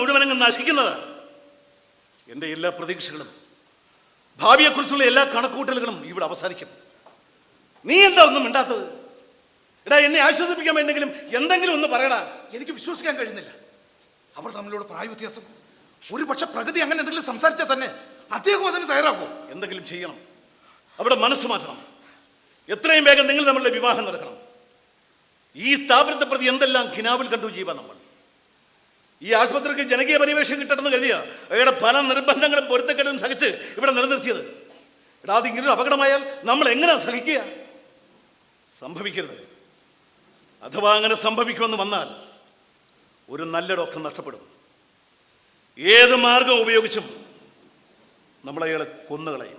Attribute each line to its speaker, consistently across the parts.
Speaker 1: മുഴുവനങ്ങ് നശിക്കുന്നത്. എൻ്റെ എല്ലാ പ്രതീക്ഷകളും ഭാവിയെക്കുറിച്ചുള്ള എല്ലാ കണക്കുകൂട്ടലുകളും ഇവിടെ അവസാനിക്കും. നീ എന്താ ഒന്നും മിണ്ടാത്തത്? എടാ, എന്നെ ആശ്വസിപ്പിക്കാൻ വേണ്ടെങ്കിലും എന്തെങ്കിലും ഒന്ന് പറയടാ.
Speaker 2: എനിക്ക് വിശ്വസിക്കാൻ കഴിയുന്നില്ല. അവർ തമ്മിലുള്ള പ്രായ വ്യത്യാസം. ഒരു പക്ഷെ പ്രകൃതി അങ്ങനെ എന്തെങ്കിലും സംസാരിച്ചാൽ തന്നെ അദ്ദേഹം അതിന് തയ്യാറാക്കും.
Speaker 1: എന്തെങ്കിലും ചെയ്യണം. അവിടെ മനസ്സ് മാറ്റണം. എത്രയും വേഗം നിങ്ങൾ തമ്മിലുള്ള വിവാഹം നടക്കണം. ഈ സ്ഥാപനത്തെ പ്രതി എന്തെല്ലാം ഖിനാവിൽ കണ്ടു ജീവ നമ്മൾ. ഈ ആശുപത്രിക്ക് ജനകീയ പരിവേഷം കിട്ടണമെന്ന് കരുതിയ അവയുടെ പല നിർബന്ധങ്ങളും പൊരുത്തക്കേടും സഹിച്ച് ഇവിടെ നിലനിർത്തിയത്. എടാ, അതിങ്ങനെ അപകടമായാൽ നമ്മൾ എങ്ങനെ സഹിക്കുക? സംഭവിക്കരുത്. അഥവാ അങ്ങനെ സംഭവിക്കുമെന്ന് വന്നാൽ ഒരു നല്ല ഡോക്ടർ നഷ്ടപ്പെടും. ഏത് മാർഗം ഉപയോഗിച്ചും നമ്മളയാളെ കൊന്നുകളയും.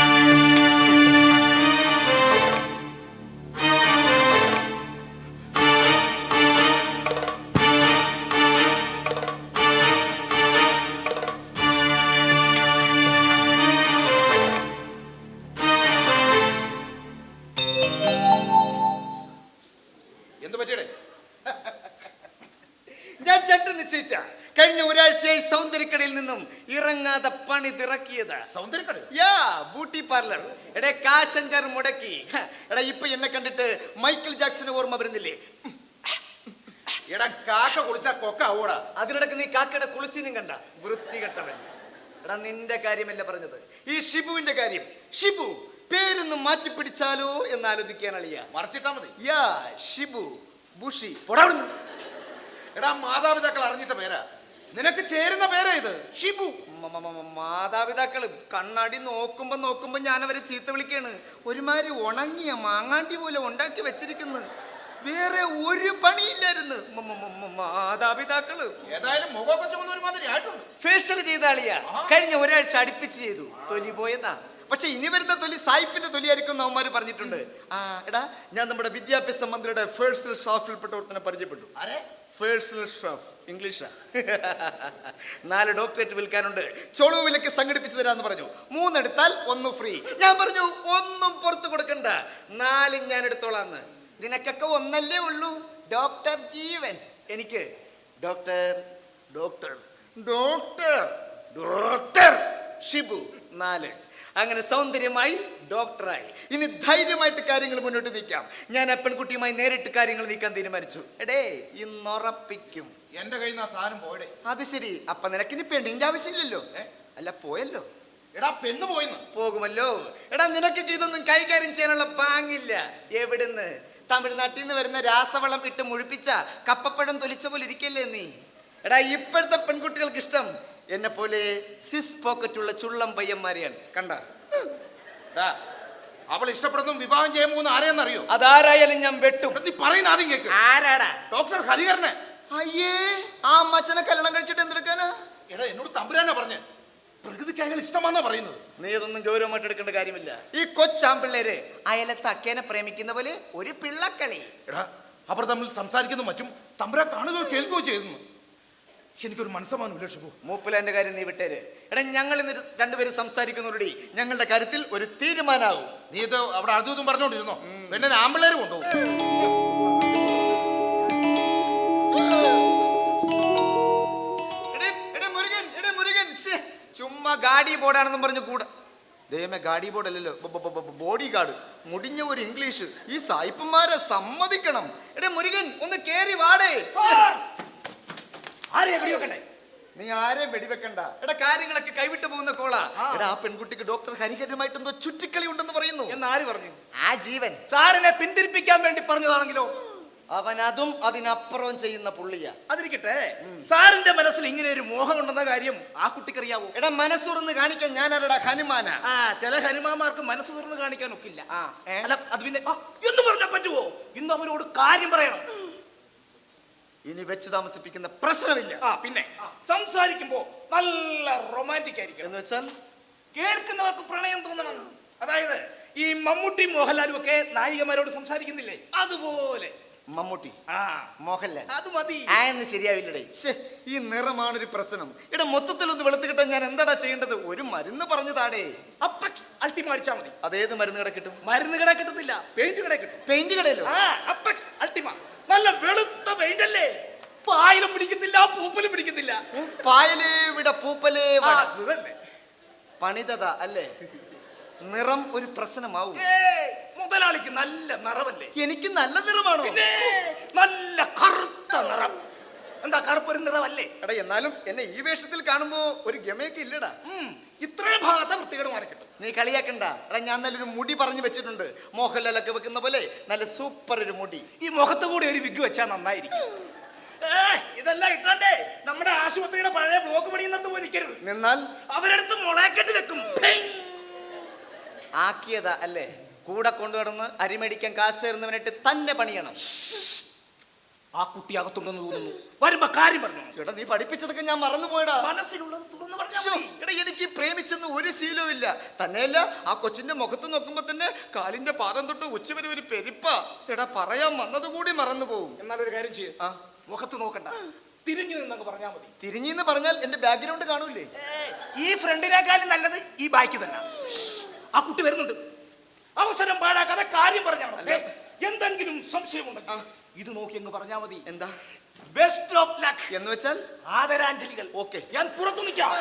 Speaker 3: കഴിഞ്ഞ ഒരാഴ്ചയായി സൗന്ദര്യക്കടയിൽ നിന്നും ഇറങ്ങാതെ പണി തിറക്കിയത്. Beauty parlour. എടേ, കാശഞ്ചർ മുടക്കി. എടാ, ഇപ്പൊ എന്നെ കണ്ടിട്ട് മൈക്കിൾ ജാക്സന് ഓർമ്മ വരുന്നില്ലേ?
Speaker 2: എടാ, കാക്ക കുളിച്ചാ കൊക്ക ആവൂടാ.
Speaker 3: അതിനിടക്ക് നീ കാക്കയുടെ കുളിസിനും കണ്ട വൃത്തികെട്ടവൻ. എടാ, നിന്റെ കാര്യമല്ല പറഞ്ഞത്, ഈ ഷിബുവിന്റെ കാര്യം. ഷിബു പേരൊന്ന് മാറ്റിപ്പിടിച്ചാലോ എന്ന് ആലോചിക്കാൻ അളിയ.
Speaker 2: മറച്ചിട്ടാ മതി.
Speaker 3: ഷിബു ബുഷി.
Speaker 2: എടാ, മാതാപിതാക്കൾ അറിഞ്ഞിട്ട പേരാ. നിനക്ക് ചേരുന്ന പേരാ ഇത്, ഷിബു.
Speaker 3: മാതാപിതാക്കള് കണ്ണാടി നോക്കുമ്പോ ഞാൻ അവരെ ചീത്ത വിളിക്കാണ്. ഒരുമാതിരി ഉണങ്ങിയ മാങ്ങാണ്ടി പോലെ ഉണ്ടാക്കി വെച്ചിരിക്കുന്നു. വേറെ ഒരു പണിയില്ലായിരുന്നു. മാതാപിതാക്കള്
Speaker 2: ഏതായാലും മുഖമൊക്കെ ചുമന്ന ഒരുമാതിരി ആയിട്ടുണ്ട്.
Speaker 3: ഫേഷ്യൽ ചെയ്ത ആളിയാ. കഴിഞ്ഞ ഒരാഴ്ച അടുപ്പിച്ച് ചെയ്തു. തൊലി പോയതാ. പക്ഷെ ഇനി വരുന്ന തൊലി സായിപ്പിന്റെ തൊലിയായിരിക്കും അവന്മാര് പറഞ്ഞിട്ടുണ്ട്. എടാ, ഞാൻ നമ്മുടെ വിദ്യാഭ്യാസ മന്ത്രിയുടെ പേഴ്സണൽ സ്റ്റാഫിൽപ്പെട്ട ഒരുത്തനെ പരിചയപ്പെട്ടു. പേഴ്സണൽ സ്റ്റാഫ് ഇംഗ്ലീഷാ. 4 ഡോക്ടറേറ്റ് വിൽക്കാനുണ്ട്. ചൊളു വിലക്ക് സംഘടിപ്പിച്ചു തരാന്ന് പറഞ്ഞു. 3 എടുത്താൽ 1 ഫ്രീ. ഞാൻ പറഞ്ഞു ഒന്നും പുറത്തു കൊടുക്കണ്ട, 4 ഞാൻ എടുത്തോളാന്ന്. നിനക്കൊക്കെ 1 ഉള്ളൂ. ഡോക്ടർ ജീവൻ. എനിക്ക് doctor doctor doctor doctor Shibu 4. അങ്ങനെ സൗന്ദര്യമായി ഡോക്ടറായി. ഇനി ധൈര്യമായിട്ട് കാര്യങ്ങൾ മുന്നോട്ട് നീക്കാം. ഞാൻ ആ പെൺകുട്ടിയുമായി നേരിട്ട് കാര്യങ്ങൾ നീക്കാൻ തീരുമാനിച്ചു. എടേ, ഇന്നുറപ്പിക്കും.
Speaker 2: എന്റെ കയ്യിൽ നിന്ന് ആ സാധനം പോയടേ.
Speaker 3: അത് ശരി. അപ്പൊ നിനക്കിനി പെണ്ണിന്റെ ആവശ്യമില്ലല്ലോ. അല്ല, പോയല്ലോ.
Speaker 2: എടാ, പെണ്ണ് പോയിന്ന്.
Speaker 3: പോകുമല്ലോ. എടാ, നിനക്ക് ഇതൊന്നും കൈകാര്യം ചെയ്യാനുള്ള പാങ്ങില്ല. എവിടുന്ന്? തമിഴ്നാട്ടിൽ നിന്ന് വരുന്ന രാസവളം ഇട്ട് മുഴിപ്പിച്ച കപ്പപ്പഴം തൊലിച്ച പോലെ ഇരിക്കല്ലേ നീ. എടാ, ഇപ്പോഴത്തെ പെൺകുട്ടികൾക്ക് ഇഷ്ടം എന്നെ പോലെ സിസ് പോക്കറ്റുള്ള ചുള്ളം പയ്യന്മാരെയാണ്. കണ്ട,
Speaker 2: അവൾ ഇഷ്ടപ്പെടുന്നു വിവാഹം ചെയ്യാൻ പോകുന്ന ആരെയെന്നറിയോ?
Speaker 3: അതാരായാലും ഞാൻ വെട്ടും.
Speaker 2: നീ പറയുന്ന ആദ്യം കേക്ക്.
Speaker 3: ആരാടാ?
Speaker 2: ഡോക്ടർ ഹരിഹരനെ.
Speaker 3: അയ്യേ, ആ മച്ചനെ കല്യാണം കഴിച്ചിട്ട് എന്തെടുക്കാനാ?
Speaker 2: എടാ, എന്നോട് തമ്പുരാനാ പറഞ്ഞ് പ്രകൃതിക്ക് അയാൾ ഇഷ്ടമാണെന്നാ പറയുന്നത്.
Speaker 3: നീ ഇതൊന്നും ഗൗരവമായിട്ട് എടുക്കേണ്ട കാര്യമില്ല. ഈ കൊച്ചാമ്പിള്ളേര് അയലത്ത് അക്കേനെ പ്രേമിക്കുന്ന പോലെ ഒരു പിള്ളക്കളി.
Speaker 2: എടാ, അവർ തമ്മിൽ സംസാരിക്കുന്നു മറ്റും തമ്പുരാൻ കാണുകയോ കേൾക്കുകയോ ചെയ്തു. എനിക്കൊരു മനസ്സമാനമില്ല ഷിബു.
Speaker 3: മൂപ്പിലാന്റെ കാര്യം നീ വിട്ടേര്. എടാ, ഞങ്ങൾ ഇന്ന് 2 പേര് സംസാരിക്കുന്നവരുടെ ഞങ്ങളുടെ കാര്യത്തിൽ ഒരു തീരുമാനാവും.
Speaker 2: നീ ഇത് അവിടെ അടുത്തും പറഞ്ഞോണ്ടിരുന്നോ? പെണ്ണെ ആമ്പിള്ളേര് കൊണ്ടുപോകും.
Speaker 3: ചുമ്മാ ഗാഡി ബോർഡാണെന്നും പറഞ്ഞു കൂടെ. ദൈവമേ, ഗാഡി ബോർഡ് അല്ലല്ലോ, ബോഡി ഗാർഡ്. മുടിഞ്ഞ ഒരു ഇംഗ്ലീഷ്. ഈ സായിപ്പന്മാരെ സമ്മതിക്കണം. എടേ മുരുകൻ, ഒന്ന് കേറി വാടേ. നീ ആരെയും വെടിവെക്കണ്ട. എടാ, കാര്യങ്ങളൊക്കെ കൈവിട്ടു പോകുന്ന കോളാ. എടാ, ആ പെൺകുട്ടിക്ക് ഡോക്ടർ ഹരിഹരമായിട്ട് എന്തോ ചുറ്റിക്കളി ഉണ്ടെന്ന് പറയുന്നു.
Speaker 4: എന്നാര് പറഞ്ഞു?
Speaker 3: ആ ജീവൻ
Speaker 4: സാറിനെ പിന്തിരിപ്പിക്കാൻ വേണ്ടി പറഞ്ഞതാണെങ്കിലോ?
Speaker 3: അവൻ അതും അതിനപ്പുറവും ചെയ്യുന്ന പുള്ളിയാ.
Speaker 4: അതിരിക്കട്ടെ, സാറിന്റെ മനസ്സിൽ ഇങ്ങനെ ഒരു മോഹം ഉണ്ടെന്ന കാര്യം ആ കുട്ടിക്കറിയാവോ?
Speaker 3: എടാ, മനസ്സുറന്ന് കാണിക്കാൻ ഞാനാരടാ ഹനുമാനാ?
Speaker 4: ചില ഹനുമാന്മാർക്ക് മനസ്സ് തുറന്ന് കാണിക്കാൻ ഒക്കില്ല. അല്ല, അത് പിന്നെ എന്ന് പറഞ്ഞാൽ പറ്റുവോ? ഇന്ന് അവരോട് കാര്യം പറയണം.
Speaker 3: ഇനി വെച്ച് താമസിപ്പിക്കുന്ന പ്രശ്നമില്ല.
Speaker 4: പിന്നെ സംസാരിക്കുമ്പോ നല്ല റൊമാൻറ്റിക് ആയിരിക്കും.
Speaker 3: എന്ന് വെച്ചാൽ
Speaker 4: കേൾക്കുന്നവർക്ക് പ്രണയം തോന്നണം. അതായത് ഈ മമ്മൂട്ടി മോഹൻലാലും ഒക്കെ നായികമാരോട് സംസാരിക്കുന്നില്ലേ, അതുപോലെ.
Speaker 3: മമ്മൂട്ടി, മോഹൻലാൽ,
Speaker 4: അത് മതി.
Speaker 3: എന്ന് ശരിയാവില്ലടേ. ഈ നിറമാണൊരു പ്രശ്നം. ഇവിടെ മൊത്തത്തിൽ ഒന്ന് വെളുത്ത് കിട്ടാൻ ഞാൻ എന്താടാ ചെയ്യേണ്ടത്? ഒരു മരുന്ന് പറഞ്ഞു താടേ.
Speaker 4: അപ്പക്സ് അൾട്ടിമ അടിച്ചാ മതി.
Speaker 3: അതേത് മരുന്ന് കട കിട്ടും?
Speaker 4: മരുന്ന് കട കിട്ടത്തില്ല, പെയിന്റ് കട കിട്ടും.
Speaker 3: പെയിന്റ് കടയിലോ?
Speaker 4: Apex Ultima. നല്ല വെളുത്ത പെയിന്റ് അല്ലേ? പായലും പിടിക്കുന്നില്ല, പൂപ്പലും പിടിക്കുന്നില്ല.
Speaker 3: പായലേ വിട പൂപ്പലേ
Speaker 4: ആ,
Speaker 3: വട.
Speaker 4: ഇതല്ലേ.
Speaker 3: പണിതത അല്ലേ? നിറം ഒരു പ്രശ്നമാവും.
Speaker 4: മുതലാളിക്ക് നല്ല നിറവല്ലേ?
Speaker 3: എനിക്ക് നല്ല നിറമാണോ?
Speaker 4: പിന്നെ നല്ല കറുത്ത നിറം. എന്താ കറുപ്പൊരു നിറവല്ലേ?
Speaker 3: എടാ എന്നാലും എന്നെ ഈ വേഷത്തിൽ കാണുമ്പോ ഒരു ഗമയൊക്കെ ഇല്ലടാ.
Speaker 4: ഇത്രയും ഭാഗത്തെ വൃത്തികേട് മാറി കിട്ടും.
Speaker 3: നീ കളിയാക്കണ്ട. എടാ ഞാൻ നല്ലൊരു മുടി പറഞ്ഞു വെച്ചിട്ടുണ്ട്. മോഹൻലാലൊക്കെ വെക്കുന്ന പോലെ നല്ല സൂപ്പർ ഒരു മുടി.
Speaker 4: ഈ മുഖത്ത് കൂടി ഒരു വിഗ് വെച്ചാൽ നന്നായിരിക്കും. ഇതെല്ലാം ഇട്ടണ്ടേ നമ്മുടെ ആശുപത്രിയുടെ പഴയ ബ്ലോക്ക് പണിയുന്നത് പോയി നിൽക്കരുത്.
Speaker 3: നിന്നാൽ
Speaker 4: അവരെടുത്ത് മുളയെക്കെട്ട് വെക്കും.
Speaker 3: ആക്കിയതാ അല്ലേ? കൂടെ കൊണ്ടുവന്ന് അരിമേടിക്കാൻ കാശ് തരുന്നവനായിട്ട് തന്നെ പണിയണം.
Speaker 4: ആ കുട്ടി അകത്തുണ്ടെന്ന് തോന്നുന്നു. വരുമ്പോ കാര്യം പറഞ്ഞു.
Speaker 3: എടാ നീ പഠിപ്പിച്ചതൊക്കെ ഞാൻ മറന്നുപോയടാ.
Speaker 4: മനസ്സിലുള്ളത് തുറന്നു പറഞ്ഞാൽ
Speaker 3: ശ്ശോ,
Speaker 4: മതി.
Speaker 3: എടാ എനിക്ക് പ്രേമിച്ചെന്ന് ഒരു ശീലവും ഇല്ല. തന്നെയല്ല ആ കൊച്ചിന്റെ മുഖത്ത് നോക്കുമ്പോ തന്നെ കാലിന്റെ പാദം തൊട്ട് ഉച്ചവരെ ഒരു പെരിപ്പാ. എടാ പറയാൻ വന്നത് കൂടി മറന്നു പോവും.
Speaker 4: എന്നാലൊരു കാര്യം ചെയ്യും.
Speaker 3: ആ
Speaker 4: മുഖത്ത് നോക്കണ്ട, തിരിഞ്ഞു നിന്നങ്ങ് പറഞ്ഞാൽ മതി.
Speaker 3: തിരിഞ്ഞെന്ന് പറഞ്ഞാൽ എന്റെ ബാക്ക്ഗ്രൗണ്ട് കാണൂലേ?
Speaker 4: ഈ ഫ്രണ്ടിനേക്കാളും നല്ലത് ഈ ബാക്കി തന്നെ. ആ കുട്ടി വരുന്നുണ്ട്. അവസരം പാഴാക്കാതെ കാര്യം പറഞ്ഞാൽ മതി. എന്തെങ്കിലും സംശയമുണ്ടെങ്കിൽ ഇത് നോക്കി അങ്ങ് പറഞ്ഞാൽ മതി.
Speaker 3: എന്താ?
Speaker 4: ബെസ്റ്റ് ഓഫ് ലക്ക്
Speaker 3: എന്ന് വെച്ചാൽ
Speaker 4: ആദരാഞ്ജലികൾ.
Speaker 3: ഓക്കെ.
Speaker 4: ഞാൻ പുറത്തു നിൽക്കാം.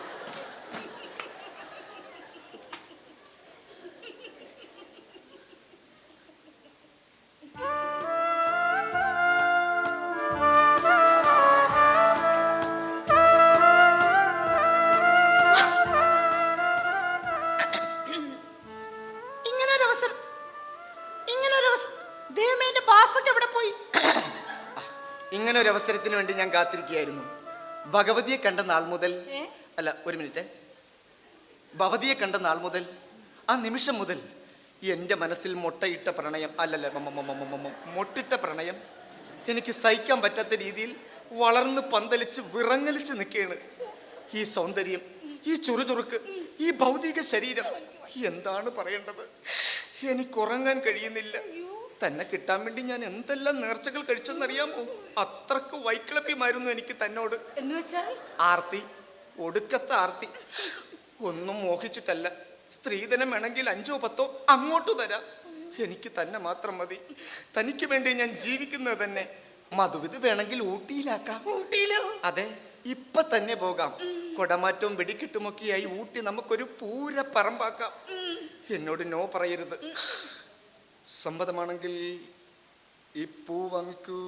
Speaker 3: ഇങ്ങനെ ഒരു അവസരത്തിന് വേണ്ടി ഞാൻ കാത്തിരിക്കുകയായിരുന്നു. ഭഗവതിയെ കണ്ട നാൾ മുതൽ, അല്ല ഒരു മിനിറ്റ്, ഭഗവതിയെ കണ്ട നാൾ മുതൽ, ആ നിമിഷം മുതൽ എൻ്റെ മനസ്സിൽ മുട്ടയിട്ട പ്രണയം, അല്ലല്ല മൊട്ടിട്ട പ്രണയം എനിക്ക് സഹിക്കാൻ പറ്റാത്ത രീതിയിൽ വളർന്ന് പന്തലിച്ച് വിറങ്ങലിച്ച് നിൽക്കുകയാണ്. ഈ സൗന്ദര്യം, ഈ ചുറുചുറുക്ക്, ഈ ഭൗതിക ശരീരം, എന്താണ് പറയേണ്ടത്? എനിക്കുറങ്ങാൻ കഴിയുന്നില്ല. തന്നെ കിട്ടാൻ വേണ്ടി ഞാൻ എന്തെല്ലാം നേർച്ചകൾ കഴിച്ചെന്നറിയാമോ? അത്രക്ക് വൈക്ലഭ്യമായിരുന്നു എനിക്ക് തന്നോട്. ആർത്തി, ഒടുക്കത്തെ ആർത്തി. ഒന്നും മോഹിച്ചിട്ടല്ല. സ്ത്രീധനം വേണമെങ്കിൽ 5 or 10 അങ്ങോട്ട് തരാം. എനിക്ക് തന്നെ മാത്രം മതി. തനിക്ക് വേണ്ടി ഞാൻ ജീവിക്കുന്നത് തന്നെ. മധുവിത് വേണമെങ്കിൽ ഊട്ടിയിലാക്കാം. അതെ, ഇപ്പൊ തന്നെ പോകാം. കൊടമാറ്റവും വെടിക്കെട്ടുമൊക്കെയായി ഊട്ടി നമുക്കൊരു പൂര പറമ്പാക്കാം. എന്നോട് നോ പറയരുത്. സമ്മതമാണെങ്കിൽ ഈ പൂ വാങ്ങിക്കൂ.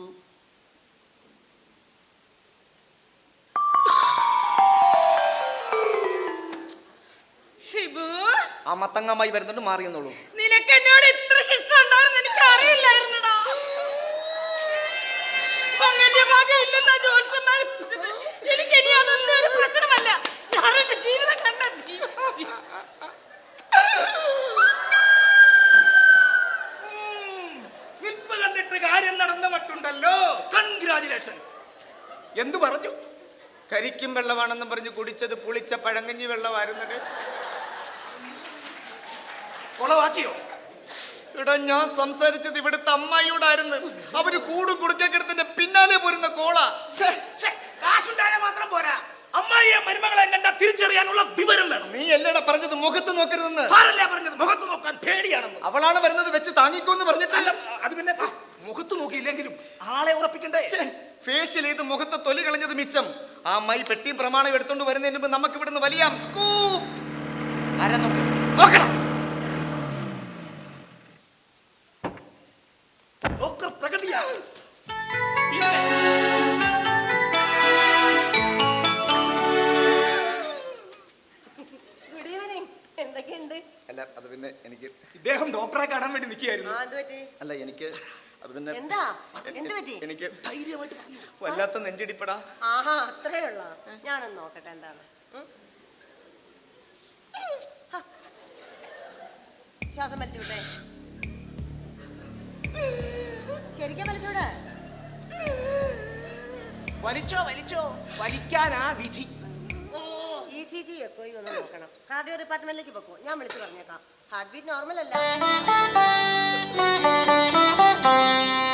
Speaker 5: ഷിബു,
Speaker 3: ആ മത്തങ്ങമായി വരുന്നുണ്ട്, മാറിയെന്നുള്ളൂ.
Speaker 5: നിനക്ക് എന്നോട് ഇത്രയ്ക്ക് ഇഷ്ടമുണ്ടായിരുന്നു എനിക്ക് അറിയില്ലായിരുന്നടാ. അങ്ങനെ ഭാഗ്യമില്ലെന്നാ ജോത്സ്യന്മാർ പറഞ്ഞത്. എനിക്ക് ഇനി അതൊന്നും ഒരു പ്രശ്നമല്ല. ഞാൻ എന്റെ ജീവിതം കണ്ടെത്തി.
Speaker 4: ഇപ്പൊ കണ്ടിട്ട് കാര്യം നടന്ന മട്ടുണ്ടല്ലോ. കൺഗ്രാജുലേഷൻസ്. എന്തു പറഞ്ഞു?
Speaker 3: കരിക്കും വെള്ളമാണെന്നും പറഞ്ഞ് കുടിച്ചത് പുളിച്ച പഴങ്കഞ്ഞി വെള്ളമായിരുന്നത്.
Speaker 4: കൊളവാക്കിയോ?
Speaker 3: ഇവിടെ ഞാൻ സംസാരിച്ചത് ഇവിടുത്തെ അമ്മായിയോടായിരുന്നു. അവര് കൂടും കുടുക്കക്കെടുത്തിന്റെ പിന്നാലെ പോരുന്ന കോള.
Speaker 4: കാശുണ്ടായ മാത്രം പോരാ, അമ്മായിയെ മരുമകളെ കണ്ട തിരിച്ചറിയാനുള്ള വിവരം വേണം.
Speaker 3: നീ എല്ലടാ പറഞ്ഞത് മുഖത്ത് നോക്കരുതെന്ന്?
Speaker 4: ആരല്ലേ പറഞ്ഞത് മുഖത്ത് നോക്കാൻ പേടിയാണെന്ന്?
Speaker 3: അവളാണ് വരുന്നത്, വെച്ച് താങ്ങിക്കോന്ന് പറഞ്ഞിട്ടല്ല.
Speaker 4: അത് പിന്നെ മുഖത്ത് നോക്കിയില്ലെങ്കിലും ആളെ ഉറപ്പിക്കണ്ടേ?
Speaker 3: ഫേഷ്യൽ ചെയ്ത് മുഖത്തെ തൊലി കളഞ്ഞത് മിച്ചം. ആ അമ്മായി പെട്ടിയും പ്രമാണം എടുത്തോണ്ട് വരുന്നതിന് മുമ്പ് നമുക്ക് ഇവിടുന്ന് വലിയ സ്കൂപ്പ്. ആരാ നോക്ക്, നോക്കണം.
Speaker 4: പ്രകൃതിയാണ്.
Speaker 5: Good evening. എന്തൊക്കെയുണ്ട്?
Speaker 3: അല്ല അത് പിന്നെ എനിക്ക്
Speaker 4: ഇദ്ദേഹം ഡോക്ടറെ കാണാൻ വേണ്ടി നിൽക്കുകയായിരുന്നു.
Speaker 3: അല്ല എനിക്ക് അത് പിന്നെ
Speaker 5: എന്താ? എന്ത് പറ്റി?
Speaker 3: എനിക്ക്
Speaker 4: ധൈര്യമായിട്ട്
Speaker 3: വല്ലാത്ത നെഞ്ചിടിപ്പടാ.
Speaker 5: ആഹാ, അത്രേ ഉള്ള. ഞാനൊന്ന് നോക്കട്ടെ എന്താണ്. ശ്വാസം വലിച്ചുവിട്ടെ. ശരിക്കും വലിച്ചൂടെ?
Speaker 4: വലിച്ചോ വലിച്ചോ, വലിക്കാനാ വിധി.
Speaker 5: ECG ഒക്കെ ഒന്ന് നോക്കണം. കാർഡിയോ ഡിപ്പാർട്ട്മെന്റിലേക്ക് പൊക്കോ, ഞാൻ വിളിച്ചു പറഞ്ഞേക്കാം. ഹാർട്ട് ബീറ്റ് നോർമൽ അല്ല.